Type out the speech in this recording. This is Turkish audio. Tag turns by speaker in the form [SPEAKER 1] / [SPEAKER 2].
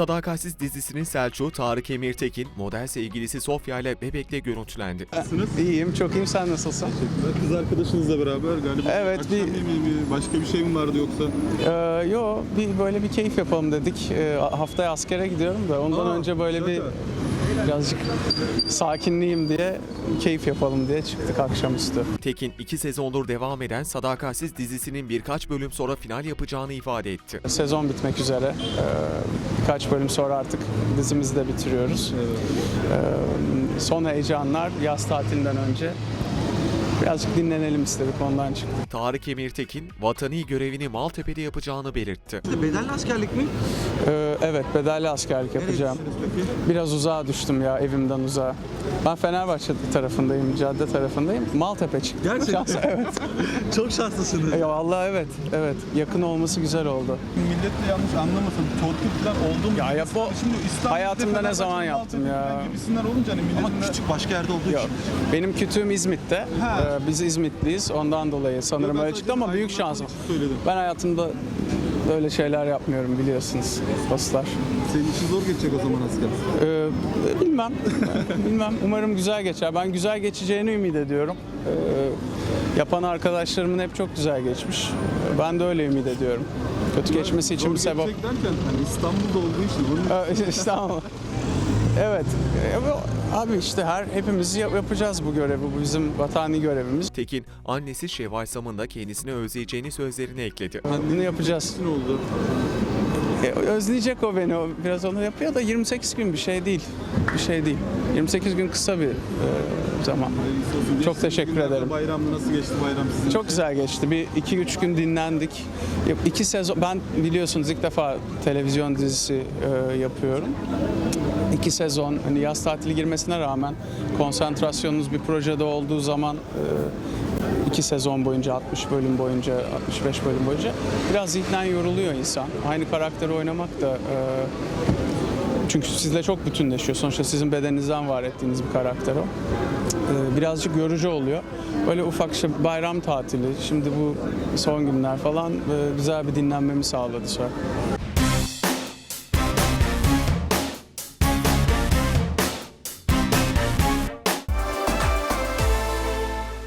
[SPEAKER 1] Sadakatsiz dizisinin Selçuk'u Tarık Emirtekin, model sevgilisi Sofya ile Bebek'te görüntülendi.
[SPEAKER 2] Nasılsınız?
[SPEAKER 3] İyiyim, çok iyiyim. Sen nasılsın?
[SPEAKER 2] Teşekkürler. Kız arkadaşınızla beraber galiba
[SPEAKER 3] Evet,
[SPEAKER 2] akşam yemeği mi, başka bir şey mi vardı yoksa?
[SPEAKER 3] Böyle bir keyif yapalım dedik. Haftaya askere gidiyorum da ondan önce böyle birazcık sakinleyeyim diye, keyif yapalım diye çıktık akşamüstü.
[SPEAKER 1] Tekin 2 sezondur devam eden Sadakatsiz dizisinin birkaç bölüm sonra final yapacağını ifade etti.
[SPEAKER 3] Sezon bitmek üzere. Birkaç bölüm sonra artık dizimizi de bitiriyoruz. Son heyecanlar yaz tatilinden önce. Birazcık dinlenelim istedik, ondan çıktık.
[SPEAKER 1] Tarık Emirtekin, vatani görevini Maltepe'de yapacağını belirtti.
[SPEAKER 2] Bedelli askerlik mi?
[SPEAKER 3] Evet, bedelli askerlik yapacağım.
[SPEAKER 2] Peki?
[SPEAKER 3] Biraz uzağa düştüm ya, evimden uzağa. Ben Fenerbahçe tarafındayım, cadde tarafındayım. Maltepe çıktı.
[SPEAKER 2] Gerçekten?
[SPEAKER 3] Evet.
[SPEAKER 2] Çok şanslısınız.
[SPEAKER 3] Ya vallahi evet. Yakın olması güzel oldu.
[SPEAKER 2] Millet de yanlış anlamasın. Torpil falan oldu mu?
[SPEAKER 3] Ya o
[SPEAKER 2] Şimdi İstanbul'da
[SPEAKER 3] hayatımda ne zaman
[SPEAKER 2] Fenerbahçe'nin
[SPEAKER 3] yaptım ya?
[SPEAKER 2] Maltepe gibisinden olunca hani milletin
[SPEAKER 4] Ama küçük başka yerde olduğu
[SPEAKER 3] Yok.
[SPEAKER 4] için.
[SPEAKER 3] Benim kütüğüm İzmit'te.
[SPEAKER 2] Ha.
[SPEAKER 3] Biz İzmitliyiz. Ondan dolayı sanırım öyle çıktı ama büyük şansım.
[SPEAKER 2] Söyledim.
[SPEAKER 3] Ben hayatımda böyle şeyler yapmıyorum, biliyorsunuz dostlar.
[SPEAKER 2] Senin için zor geçecek o zaman asker.
[SPEAKER 3] Bilmem. Umarım güzel geçer. Ben güzel geçeceğini ümit ediyorum. Yapan arkadaşlarımın hep çok güzel geçmiş. Ben de öyle ümit ediyorum. Kötü geçmesi için bir sebep.
[SPEAKER 2] Zor geçecek derken hani İstanbul'da olduğu için bunun
[SPEAKER 3] İstanbul. Evet. Abi işte hepimiz yapacağız bu görevi. Bu bizim vatani görevimiz.
[SPEAKER 1] Tekin, annesi Şevval Sam'ın da kendisini özleyeceğini sözlerine ekledi.
[SPEAKER 3] Bunu yapacağız.
[SPEAKER 2] ne oldu?
[SPEAKER 3] Özleyecek o beni. O biraz onu yapıyor da 28 gün bir şey değil. 28 gün kısa bir zaman. Çok teşekkür
[SPEAKER 2] Günlerde
[SPEAKER 3] ederim.
[SPEAKER 2] Bayramda nasıl geçti bayram sizin
[SPEAKER 3] Çok
[SPEAKER 2] için?
[SPEAKER 3] güzel geçti. Bir 2-3 gün dinlendik. 2 sezon, ben biliyorsunuz ilk defa televizyon dizisi yapıyorum. 2 sezon, hani yaz tatili girmesine rağmen konsantrasyonunuz bir projede olduğu zaman 2 sezon boyunca, 60 bölüm boyunca, 65 bölüm boyunca biraz zihnen yoruluyor insan. Aynı karakteri oynamak da çünkü sizle çok bütünleşiyor. Sonuçta sizin bedeninizden var ettiğiniz bir karakter o. Birazcık yorucu oluyor. Böyle ufak bayram tatili, şimdi bu son günler falan güzel bir dinlenmemi sağladı sonra.